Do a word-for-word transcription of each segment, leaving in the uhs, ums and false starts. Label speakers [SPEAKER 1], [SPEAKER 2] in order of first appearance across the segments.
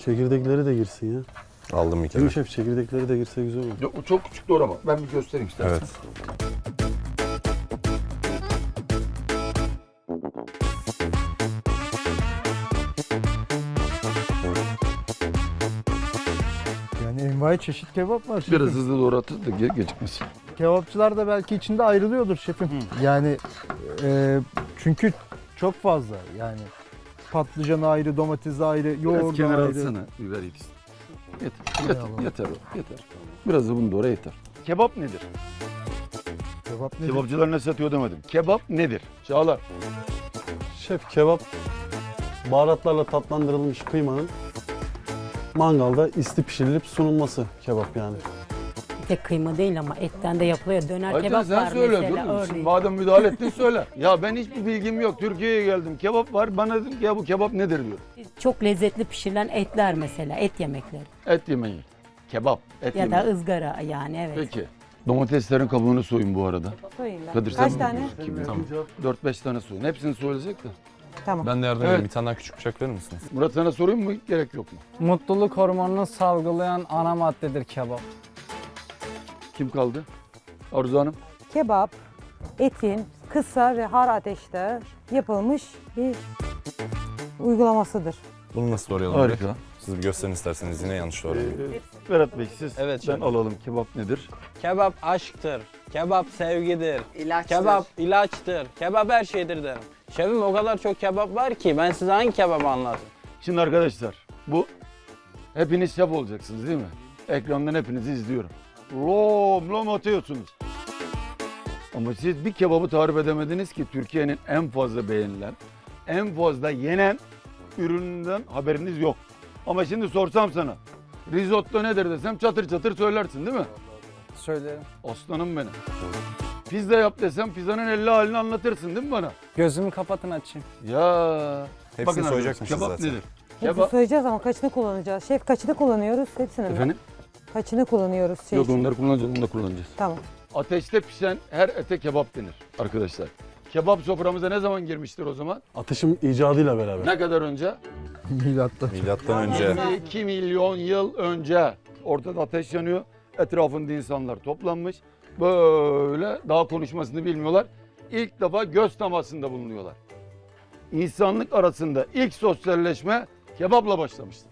[SPEAKER 1] Çekirdekleri de girsin ya.
[SPEAKER 2] Aldım bir kere.
[SPEAKER 1] Değil mi şef? Çekirdekleri de girse güzel olur.
[SPEAKER 3] Yok, o çok küçük doğrama. Ben bir göstereyim istersen.
[SPEAKER 2] Evet.
[SPEAKER 4] Yani envai çeşit kebap var şefim.
[SPEAKER 3] Biraz hızlı doğratır da ge- gecikmesin.
[SPEAKER 4] Kebapçılar da belki içinde ayrılıyordur şefim. Yani e, çünkü çok fazla yani. Patlıcan ayrı, domates ayrı,
[SPEAKER 3] Biraz
[SPEAKER 4] yoğurt
[SPEAKER 3] kenara
[SPEAKER 4] ayrı.
[SPEAKER 3] alsana. Biber yetişsin. Yeter.
[SPEAKER 4] Hay
[SPEAKER 3] Yeter.
[SPEAKER 4] Allah.
[SPEAKER 3] Yeter o. Yeter. Biraz da bunu doğra yeter. Kebap nedir?
[SPEAKER 4] Kebap nedir?
[SPEAKER 3] Kebapçılar ne satıyor demedim. Kebap nedir? Çağlar.
[SPEAKER 1] Şef kebap baharatlarla tatlandırılmış kıymanın mangalda isti pişirilip sunulması kebap yani.
[SPEAKER 5] Bir tek kıyma değil ama etten de yapılıyor. Döner
[SPEAKER 3] Ayten
[SPEAKER 5] kebap
[SPEAKER 3] sen
[SPEAKER 5] var
[SPEAKER 3] söyle.
[SPEAKER 5] mesela
[SPEAKER 3] Dur. Şimdi
[SPEAKER 5] örneğin.
[SPEAKER 3] madem müdahale ettin söyle. Ya ben hiçbir bilgim yok. Türkiye'ye geldim. Kebap var. Bana dedim ki ya bu kebap nedir diyor.
[SPEAKER 5] Çok lezzetli pişirilen etler mesela, et yemekleri.
[SPEAKER 3] Et yemeği. Kebap. Et
[SPEAKER 5] Ya
[SPEAKER 3] yemeği.
[SPEAKER 5] da ızgara yani evet.
[SPEAKER 3] Peki. Domateslerin kabuğunu soyun bu arada.
[SPEAKER 6] Soyayım ben.
[SPEAKER 3] Kadir sen
[SPEAKER 6] Kaç
[SPEAKER 3] mi
[SPEAKER 6] tane?
[SPEAKER 3] biliyorsun? Kim bilir?
[SPEAKER 2] Tamam.
[SPEAKER 3] dört beş tane soyun. Hepsini soyulacak da.
[SPEAKER 6] Tamam.
[SPEAKER 2] Ben de yardım
[SPEAKER 3] Evet.
[SPEAKER 2] edeyim. Bir tane daha küçük bıçak verir misiniz?
[SPEAKER 3] Murat sana sorayım mı? Gerek yok mu?
[SPEAKER 7] Mutluluk hormonunu salgılayan ana maddedir kebap.
[SPEAKER 3] Kim kaldı? Arzu Hanım.
[SPEAKER 6] Kebap, etin kısa ve har ateşte yapılmış bir uygulamasıdır.
[SPEAKER 2] Bunu nasıl doğrayalım?
[SPEAKER 3] Harika.
[SPEAKER 2] direkt? Siz bir gösterin isterseniz yine yanlış doğrayalım.
[SPEAKER 3] Berat Bey siz
[SPEAKER 7] Evet,
[SPEAKER 3] ben
[SPEAKER 7] şefim.
[SPEAKER 3] alalım. Kebap nedir?
[SPEAKER 7] Kebap aşktır. Kebap sevgidir.
[SPEAKER 8] İlaçtır.
[SPEAKER 7] Kebap ilaçtır. Kebap her şeydir derim. Şefim o kadar çok kebap var ki ben size hangi kebabı anlatayım?
[SPEAKER 3] Şimdi arkadaşlar bu hepiniz şef olacaksınız değil mi? Ekrandan hepinizi izliyorum. Lom lom atıyorsunuz. Ama siz bir kebabı tarif edemediniz ki Türkiye'nin en fazla beğenilen, en fazla yenen ürününden haberiniz yok. Ama şimdi sorsam sana risotto nedir desem çatır çatır söylersin değil mi?
[SPEAKER 7] Söylerim.
[SPEAKER 3] Aslanım benim. Pizza yap desem pizzanın elli halini anlatırsın değil mi bana?
[SPEAKER 7] Gözümü kapatın açayım.
[SPEAKER 3] Ya.
[SPEAKER 2] Hepsini
[SPEAKER 3] Bakın
[SPEAKER 2] soyacakmışız
[SPEAKER 3] arkadaşlar, kebap
[SPEAKER 2] zaten.
[SPEAKER 3] nedir?
[SPEAKER 6] Hepsini
[SPEAKER 3] Kebap.
[SPEAKER 6] soyacağız ama kaçını kullanacağız? Şef kaçını kullanıyoruz? Hepsini mi?
[SPEAKER 3] Efendim?
[SPEAKER 6] Kaçını kullanıyoruz? Şey
[SPEAKER 3] Yok
[SPEAKER 6] için?
[SPEAKER 3] onları kullanacağız, onu da kullanacağız.
[SPEAKER 6] Tamam.
[SPEAKER 3] Ateşte pişen her ete kebap denir arkadaşlar. Kebap soframıza ne zaman girmiştir o zaman?
[SPEAKER 1] Ateşin icadıyla beraber.
[SPEAKER 3] Ne kadar önce?
[SPEAKER 4] Milattan.
[SPEAKER 2] Milattan önce.
[SPEAKER 3] yirmi iki milyon yıl önce. Ortada ateş yanıyor. Etrafında insanlar toplanmış. Böyle daha konuşmasını bilmiyorlar. İlk defa göz temasında bulunuyorlar. İnsanlık arasında ilk sosyalleşme kebapla başlamıştır.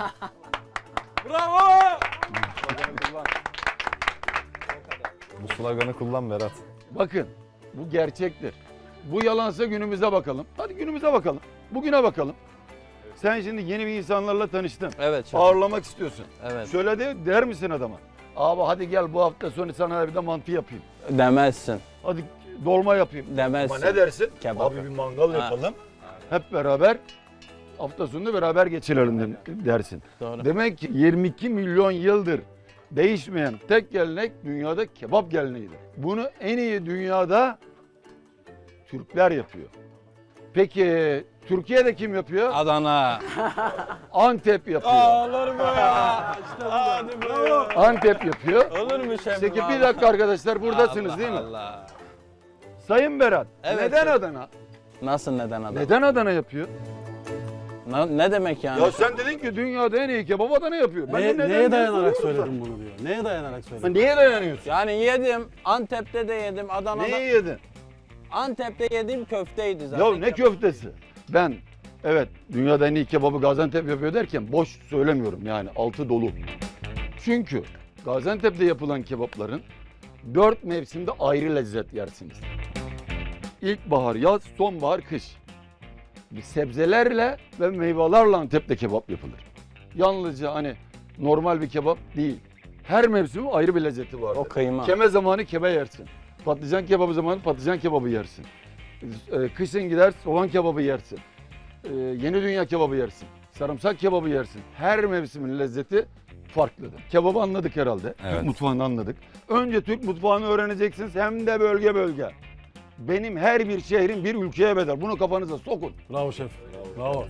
[SPEAKER 2] Bu sloganı kullan Berat.
[SPEAKER 3] Bakın bu gerçektir. Bu yalansa günümüze bakalım. Hadi günümüze bakalım. Bugüne bakalım. Sen şimdi yeni bir insanlarla tanıştın.
[SPEAKER 7] Evet şefim.
[SPEAKER 3] Ağırlamak istiyorsun.
[SPEAKER 7] Evet.
[SPEAKER 3] Şöyle de der misin adama? Abi hadi gel bu hafta sonu sana bir de mantı yapayım.
[SPEAKER 7] Demezsin.
[SPEAKER 3] Hadi dolma yapayım.
[SPEAKER 7] Demezsin.
[SPEAKER 3] Ama ne dersin?
[SPEAKER 7] Kebap.
[SPEAKER 3] Abi bir mangal
[SPEAKER 7] Ha.
[SPEAKER 3] yapalım. Hep beraber hafta sonunu beraber geçirelim de- dersin.
[SPEAKER 7] Doğru.
[SPEAKER 3] Demek ki yirmi iki milyon yıldır değişmeyen tek gelenek dünyada kebap geleneğidir. Bunu en iyi dünyada Türkler yapıyor. Peki Türkiye'de kim yapıyor?
[SPEAKER 7] Adana.
[SPEAKER 3] Antep yapıyor.
[SPEAKER 7] Olur mu ya? Hadi bravo.
[SPEAKER 3] Antep yapıyor.
[SPEAKER 7] Olur mu şefim?
[SPEAKER 3] Peki bir
[SPEAKER 7] Allah.
[SPEAKER 3] dakika arkadaşlar buradasınız
[SPEAKER 7] Allah
[SPEAKER 3] değil mi?
[SPEAKER 7] Allah.
[SPEAKER 3] Sayın Berat,
[SPEAKER 7] Evet,
[SPEAKER 3] neden
[SPEAKER 7] şefim.
[SPEAKER 3] Adana?
[SPEAKER 7] Nasıl neden Adana?
[SPEAKER 3] Neden Adana yapıyor?
[SPEAKER 7] Ne, ne demek yani?
[SPEAKER 3] Ya sen dedin ki dünyada en iyi kebap Adana yapıyor. Ben de
[SPEAKER 1] Ne,
[SPEAKER 3] neden
[SPEAKER 1] neye
[SPEAKER 3] diye
[SPEAKER 1] dayanarak
[SPEAKER 3] soruyorum
[SPEAKER 1] söyledin bunu diyor. Neye dayanarak
[SPEAKER 3] sana.
[SPEAKER 1] söyledin?
[SPEAKER 3] Neye dayanıyorsun?
[SPEAKER 7] Yani yedim. Antep'te de yedim. Adana'da.
[SPEAKER 3] Neyi yedin?
[SPEAKER 7] Antep'te yediğim köfteydi zaten.
[SPEAKER 3] Ya ne köftesi? Ben evet dünyada en iyi kebabı Gaziantep yapıyor derken boş söylemiyorum yani altı dolu. Çünkü Gaziantep'te yapılan kebapların dört mevsimde ayrı lezzet yersiniz. İlkbahar, yaz, sonbahar, kış. Bir sebzelerle ve meyvelerle Antep'te kebap yapılır. Yalnızca hani normal bir kebap değil. Her mevsimin ayrı bir lezzeti vardır.
[SPEAKER 7] O kıyma.
[SPEAKER 3] Keme zamanı kebe yersin. Patlıcan kebabı zamanı patlıcan kebabı yersin. Ee, Kışın gider soğan kebabı yersin. Ee, Yeni dünya kebabı yersin. Sarımsak kebabı yersin. Her mevsimin lezzeti farklıdır. Kebabı anladık herhalde.
[SPEAKER 2] Evet.
[SPEAKER 3] Türk mutfağını anladık. Önce Türk mutfağını öğreneceksiniz hem de bölge bölge. Benim her bir şehrim bir ülkeye bedel. Bunu kafanıza sokun.
[SPEAKER 1] Bravo şef. Bravo.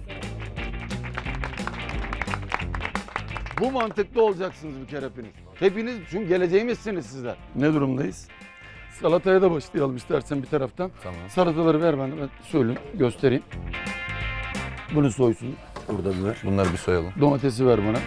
[SPEAKER 3] Bu mantıklı olacaksınız bir kere hepiniz. Hepiniz çünkü geleceğimizsiniz sizler. Ne durumdayız? Salataya da başlayalım istersen bir taraftan.
[SPEAKER 2] Tamam.
[SPEAKER 3] Salataları ver bana ben söyleyeyim, göstereyim. Bunu soysun. Burada biber.
[SPEAKER 2] Bunları bir soyalım.
[SPEAKER 3] Domatesi ver bana.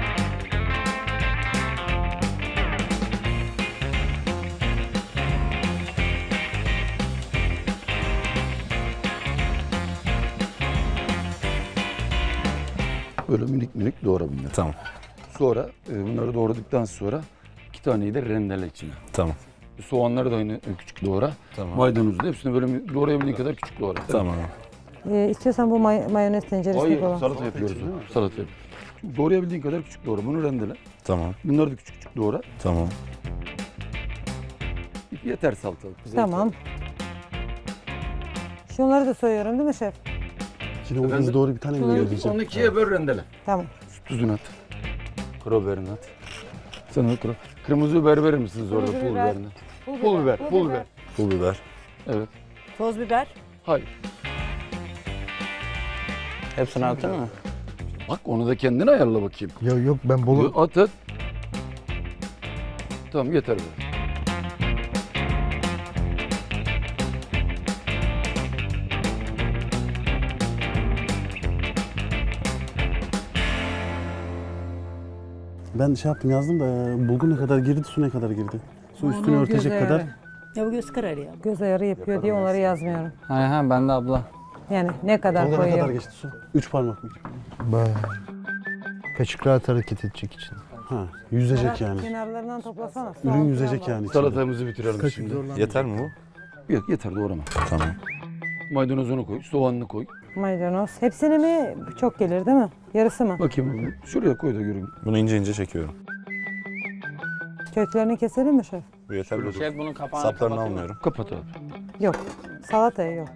[SPEAKER 3] Böyle minik minik doğra bunları.
[SPEAKER 2] Tamam.
[SPEAKER 3] Sonra e, bunları doğradıktan sonra iki taneyi de rendele içine.
[SPEAKER 2] Tamı.
[SPEAKER 3] Soğanları da yine küçük doğra.
[SPEAKER 2] Tamam.
[SPEAKER 3] Maydanozu da hepsini böyle doğrayabildiğin kadar küçük doğra.
[SPEAKER 2] Tamam.
[SPEAKER 6] Ee, istiyorsan bu may- mayonez tenceresine
[SPEAKER 3] Hayır,
[SPEAKER 6] koy.
[SPEAKER 3] salata yapıyoruz. Salata yapıyoruz. Şimdi doğrayabildiğin kadar küçük doğra. Bunu rendele.
[SPEAKER 2] Tamam.
[SPEAKER 3] Bunları da küçük küçük doğra.
[SPEAKER 2] Tamam.
[SPEAKER 3] Yeter salatalık. Bize
[SPEAKER 6] Tamam. Şunları da soyuyorum değil mi şef?
[SPEAKER 1] Şimdi o hızlı doğru bir tane mi
[SPEAKER 6] Şunları-
[SPEAKER 1] göndereceğim?
[SPEAKER 3] Onu ikiye böl rendele.
[SPEAKER 6] Tamam.
[SPEAKER 3] Tuzunu at. Karabiberini at. Sen al kara. Kırmızı biber verir misiniz orada
[SPEAKER 6] Kırmızı
[SPEAKER 3] pul
[SPEAKER 6] biber.
[SPEAKER 3] biberini? Pul biber, pul biber.
[SPEAKER 2] Pul biber.
[SPEAKER 3] Evet.
[SPEAKER 5] Toz biber.
[SPEAKER 3] Hayır.
[SPEAKER 7] Hepsini attın mı?
[SPEAKER 3] Bak onu da kendin ayarla bakayım.
[SPEAKER 4] Ya yok ben bolu
[SPEAKER 3] At at. Tamam yeter böyle.
[SPEAKER 1] Ben şey yaptım yazdım da e, bulgur ne kadar girdi, su ne kadar girdi? Su üstünü
[SPEAKER 6] Onu
[SPEAKER 1] örtecek
[SPEAKER 6] göz
[SPEAKER 1] kadar.
[SPEAKER 6] ayarı.
[SPEAKER 5] Ya bu göz kararı ya.
[SPEAKER 6] Göz ayarı yapıyor diye onları yazmıyorum.
[SPEAKER 7] Hay ha ben de abla.
[SPEAKER 6] Yani ne kadar
[SPEAKER 1] Tolga ne kadar
[SPEAKER 6] koyuyor?
[SPEAKER 1] geçti su? Üç parmak mı?
[SPEAKER 4] Ba- kaşık rahat hareket edecek için.
[SPEAKER 1] Ha, yüzecek yani.
[SPEAKER 6] Kenarlarından toplasana.
[SPEAKER 1] Ürün
[SPEAKER 6] Soğan
[SPEAKER 1] yüzecek
[SPEAKER 6] falan var.
[SPEAKER 1] yani içinde.
[SPEAKER 3] Salatamızı bitirelim şimdi.
[SPEAKER 2] Yeter mi bu?
[SPEAKER 3] Yok yeter doğrama.
[SPEAKER 2] Tamam.
[SPEAKER 3] Maydanozunu koy, soğanını koy.
[SPEAKER 6] Maydanoz. Hepsini mi çok gelir değil mi? Yarısı mı?
[SPEAKER 3] Bakayım şuraya koy da göreyim.
[SPEAKER 2] Bunu ince ince çekiyorum.
[SPEAKER 6] Köklerini keselim mi şef?
[SPEAKER 2] Bu yeter mi?
[SPEAKER 7] Şef bunun kapağını
[SPEAKER 2] Saplarını
[SPEAKER 7] kapatayım mı?
[SPEAKER 2] almıyorum.
[SPEAKER 3] Kapat abi.
[SPEAKER 6] Yok. Salataya yok.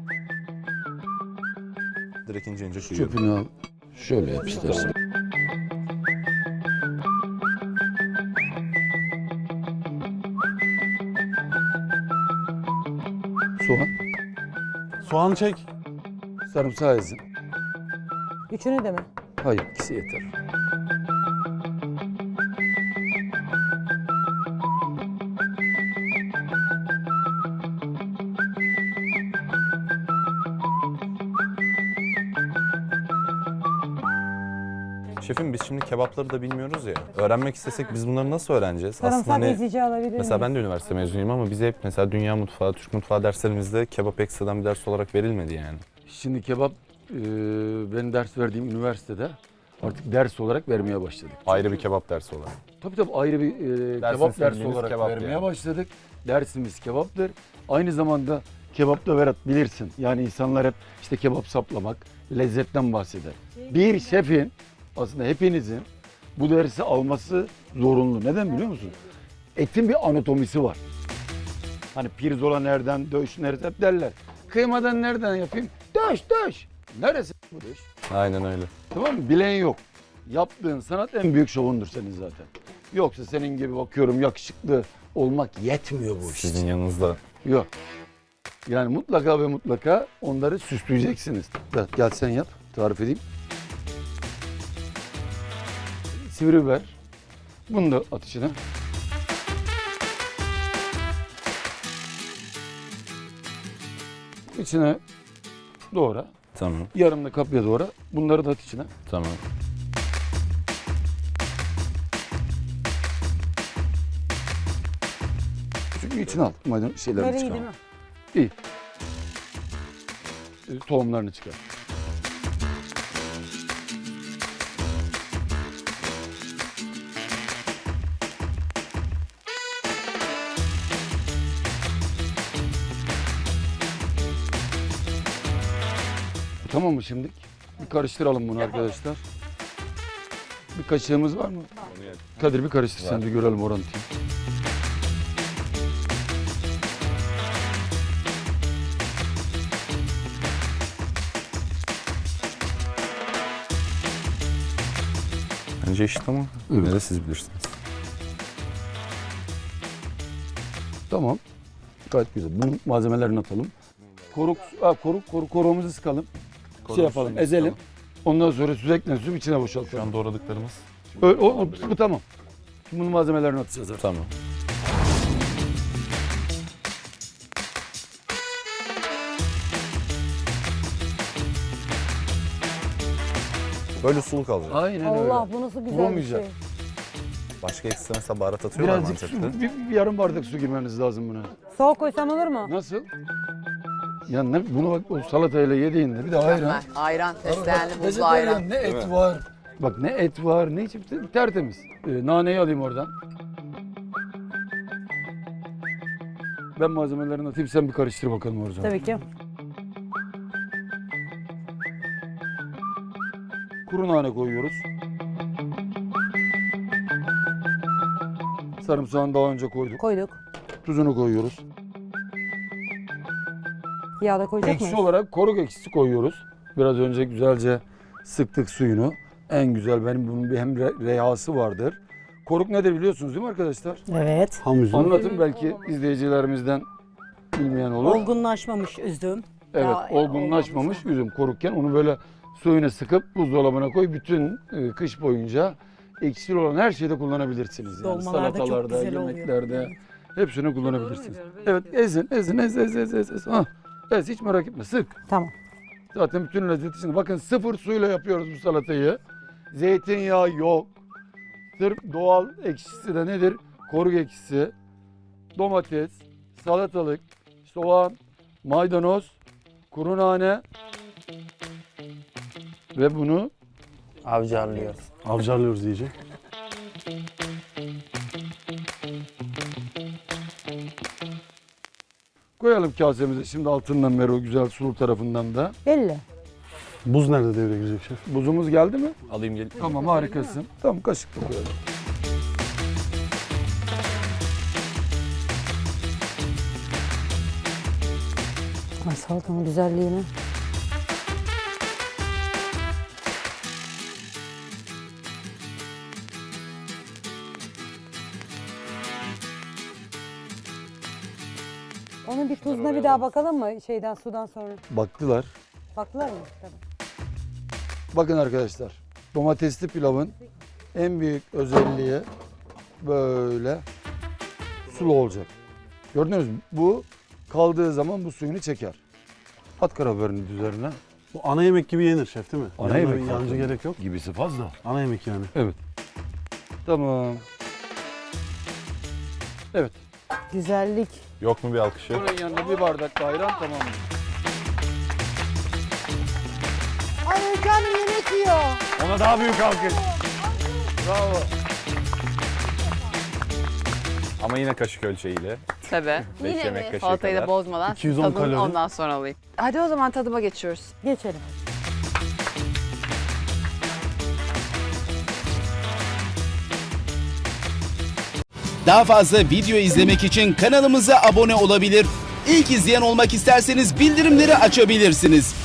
[SPEAKER 2] Direkt ince ince kıyıyorum.
[SPEAKER 3] Çöpünü al. Şöyle yap istersen. Soğan.
[SPEAKER 1] Soğan çek.
[SPEAKER 3] Sarımsağı ezin.
[SPEAKER 6] Üçünü de mi?
[SPEAKER 3] Hayır ikisi yeter.
[SPEAKER 2] Şefim biz şimdi kebapları da bilmiyoruz ya. Öğrenmek istesek biz bunları nasıl öğreneceğiz?
[SPEAKER 6] Sarımsak
[SPEAKER 2] hani
[SPEAKER 6] ezici alabilir
[SPEAKER 2] mesela
[SPEAKER 6] miyim?
[SPEAKER 2] ben de üniversite mezunuyum ama bize hep mesela dünya mutfağı, Türk mutfağı derslerimizde kebap ekstradan bir ders olarak verilmedi yani.
[SPEAKER 3] Şimdi kebap e, ben ders verdiğim üniversitede artık ders olarak vermeye başladık.
[SPEAKER 2] Ayrı bir kebap dersi olarak.
[SPEAKER 3] Tabii tabii ayrı bir e,
[SPEAKER 2] Dersin
[SPEAKER 3] kebap dersi
[SPEAKER 2] bildiğimiz
[SPEAKER 3] olarak
[SPEAKER 2] kebap
[SPEAKER 3] vermeye
[SPEAKER 2] yani.
[SPEAKER 3] başladık. Dersimiz kebaptır. Aynı zamanda kebapta Berat bilirsin. Yani insanlar hep işte kebap saplamak, lezzetten bahseder. Bir şefin aslında hepinizin bu dersi alması zorunlu. Neden biliyor musun? Etin bir anatomisi var. Hani pirzola nereden, döş nereden hep derler. Kıymadan nereden yapayım? Döş döş. Neresi bu döş?
[SPEAKER 2] Aynen öyle.
[SPEAKER 3] Tamam mı? Bilen yok. Yaptığın sanat en büyük şovundur senin zaten. Yoksa senin gibi bakıyorum yakışıklı olmak yetmiyor bu işte.
[SPEAKER 2] Sizin yanınızda.
[SPEAKER 3] Yok. Yani mutlaka ve mutlaka onları süsleyeceksiniz. Gel, gel sen yap. Tarif edeyim. Sivri biber. Bunu da at içine. İçine doğra.
[SPEAKER 2] Tamam.
[SPEAKER 3] Yarım da kapya doğra. Bunları da at içine.
[SPEAKER 2] Tamam.
[SPEAKER 3] Çünkü içine al. Maydanoz şeylerini
[SPEAKER 6] Böyle iyi
[SPEAKER 3] çıkar.
[SPEAKER 6] değil mi?
[SPEAKER 3] İyi. E, Tohumlarını çıkar. Tamam mı şimdi? Bir karıştıralım bunu arkadaşlar. Bir kaşığımız var mı? Kadir bir karıştır sen de görelim orantıyı.
[SPEAKER 2] Bence eşit ama
[SPEAKER 3] Evet.
[SPEAKER 2] yine de siz bilirsiniz.
[SPEAKER 3] Tamam. Gayet güzel. Bunun malzemelerini atalım. Koruk, ha, koruk, koruk, koruğumuzu sıkalım. şey yapalım, ezelim. Ondan sonra sürekli su içine
[SPEAKER 2] Şu
[SPEAKER 3] boşaltalım.
[SPEAKER 2] an doğradıklarımız.
[SPEAKER 3] Öyle, o, o- bu tamam. Şimdi bunun malzemelerini atacağız artık.
[SPEAKER 2] Tamam. Böyle sulu kalacak.
[SPEAKER 3] Aynen öyle.
[SPEAKER 6] Allah bu nasıl güzel bir
[SPEAKER 3] Vuramayacak.
[SPEAKER 6] şey.
[SPEAKER 2] Başka ekstra mesela baharat atıyorlar mı
[SPEAKER 3] Birazcık su,
[SPEAKER 2] Antep'te?
[SPEAKER 3] bir, bir yarım bardak su girmeniz lazım buna.
[SPEAKER 6] Soğuk koysam olur mu?
[SPEAKER 3] Nasıl? Ya ne, bunu bak o salatayla yediğinde bir de ayran.
[SPEAKER 8] Ayran, ayran fesleğenli buzlu
[SPEAKER 3] Vejetaryen,
[SPEAKER 8] ayran.
[SPEAKER 3] ne et var. Bak ne et var, ne çıktı tertemiz. Ee, naneyi alayım oradan. Ben malzemelerini atayım, sen bir karıştır bakalım orada.
[SPEAKER 6] Tabii ki.
[SPEAKER 3] Kuru nane koyuyoruz. Sarımsağını daha önce koyduk.
[SPEAKER 6] Koyduk.
[SPEAKER 3] Tuzunu koyuyoruz.
[SPEAKER 6] Yağ da koyacak
[SPEAKER 3] Ekşi
[SPEAKER 6] mıyız?
[SPEAKER 3] olarak koruk ekşisi koyuyoruz. Biraz önce güzelce sıktık suyunu. En güzel benim bunun bir hem re- reyhası vardır. Koruk nedir biliyorsunuz değil mi arkadaşlar?
[SPEAKER 5] Evet.
[SPEAKER 1] Ham üzüm.
[SPEAKER 3] Anlatın belki izleyicilerimizden bilmeyen olur.
[SPEAKER 5] Olgunlaşmamış üzüm.
[SPEAKER 3] Evet,
[SPEAKER 5] Daha
[SPEAKER 3] olgunlaşmamış üzüm korukken onu böyle suyuna sıkıp buzdolabına koy. Bütün e, kış boyunca ekşili olan her şeyde kullanabilirsiniz. Yani
[SPEAKER 5] Dolmalarda çok
[SPEAKER 3] salatalarda,
[SPEAKER 5] güzel oluyor.
[SPEAKER 3] yemeklerde hepsini kullanabilirsiniz. Evet, ezin, ezin, ez, ez, ez, ez, ez. Ah, ez, hiç merak etme, sık.
[SPEAKER 6] Tamam.
[SPEAKER 3] Zaten bütün lezzeti içinde. Bakın sıfır suyla yapıyoruz bu salatayı. Zeytinyağı yok. Sırf doğal ekşisi de nedir? Koruk ekşisi, domates, salatalık, soğan, maydanoz, kuru nane ve bunu
[SPEAKER 7] Avcarlıyoruz.
[SPEAKER 1] Avcarlıyoruz iyice.
[SPEAKER 3] koyalım kasemize. Şimdi altından beri o güzel sulu tarafından da.
[SPEAKER 6] Belli.
[SPEAKER 1] Buz nerede devreye girecek şef?
[SPEAKER 3] Buzumuz geldi mi?
[SPEAKER 2] Alayım gelin.
[SPEAKER 3] Tamam, harikasın. Tamam, kaşıkla koyalım.
[SPEAKER 6] Ay salatanın güzelliğini. Onun bir tuzuna bir daha bakalım mı şeyden sudan sonra?
[SPEAKER 3] Baktılar.
[SPEAKER 6] Baktılar mı? Tabii.
[SPEAKER 3] Bakın arkadaşlar, domatesli pilavın en büyük özelliği böyle sulu olacak. Gördünüz mü? Bu kaldığı zaman bu suyunu çeker. At karabiberini üzerine.
[SPEAKER 1] Bu ana yemek gibi yenir şef değil mi?
[SPEAKER 3] Ana
[SPEAKER 1] Yanına
[SPEAKER 3] yemek
[SPEAKER 1] bir yancı
[SPEAKER 3] zaten.
[SPEAKER 1] gerek yok.
[SPEAKER 3] Gibisi fazla.
[SPEAKER 1] Ana yemek yani.
[SPEAKER 3] Evet. Tamam. Evet.
[SPEAKER 6] Güzellik.
[SPEAKER 2] Yok mu bir alkışı?
[SPEAKER 3] Bunun yanında bir bardak da ayran, tamam mı?
[SPEAKER 6] Ay canım yemek yiyor.
[SPEAKER 2] Ona daha büyük alkış.
[SPEAKER 3] Bravo.
[SPEAKER 2] Ama yine kaşık ölçeğiyle.
[SPEAKER 8] Tabii.
[SPEAKER 2] beş yemek kaşığı
[SPEAKER 8] Salatayı da
[SPEAKER 2] kadar.
[SPEAKER 8] bozmadan
[SPEAKER 1] iki yüz on
[SPEAKER 8] tadını
[SPEAKER 1] kalori.
[SPEAKER 8] ondan sonra alayım. Hadi o zaman tadıma geçiyoruz.
[SPEAKER 6] Geçelim.
[SPEAKER 9] Daha fazla video izlemek için kanalımıza abone olabilir. İlk izleyen olmak isterseniz bildirimleri açabilirsiniz.